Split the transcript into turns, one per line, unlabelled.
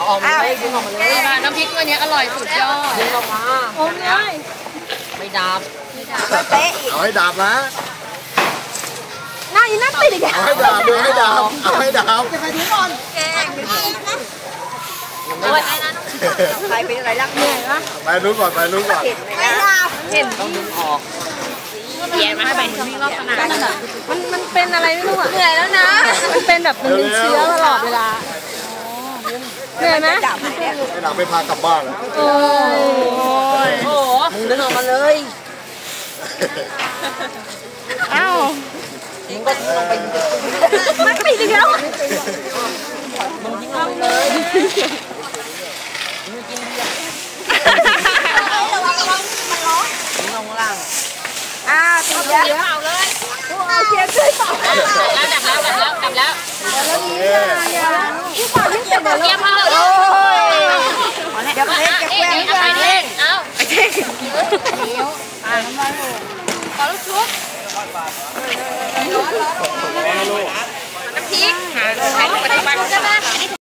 ออกมาเลยดึงออกมาเลย
น้ำพริกตัวนี้อร่อยสุดยอด
ดึงออกมา
อมเลย
ไม่ดับ
ไม่เป๊ะอีก
เอาให้ดับนะ
หน้าอีนั่นติดอีก
เอาให้ดับดูให้ดับเอาให้ดับ
จะไปถึงก่อนแกงใครเป็นอะไรรักเหนื่อยปะ
ไปรู้ก่อนไปรู้ก่อน
ไม่ดับเห็น
ต้องดึงออก
เปลี่ยนมาให้ไปนี่รอบขนาด
มันเป็นอะไรไม่รู้อ่ะ
เหนื่อยแล้วนะ
มันเป็นแบบมันเป็นเชื้อตลอดเวลาเหนื่อยไหม
ดับเนี่ย
ไม่ดับไม่พากลับบ้านแล้ว
โอ้
ยโอ้โหมึงดึงออกมาเลย
อ้าว
มึงก็ลงไป
มันติดอีกแล้ว
มึงยิงลงไปเลยมึงกินเบียร์
ระวังมันร้อน
ยิงลงล่าง
ติดแล้วเปล่าเลยเอาเทียนช่วยเปล่า
แล้วดับแล้ว
แล้วนี้ยิ่งกว่ายิ่งเจ็บเลย
เยี่ยมมากเลย
เดี๋ยวเล่นจะแกล้ง
ไปเล่นเอาไปเล่นขอลูกชุบน้ำพริกหาใช้ลูกปัจจุบันใช่ไหม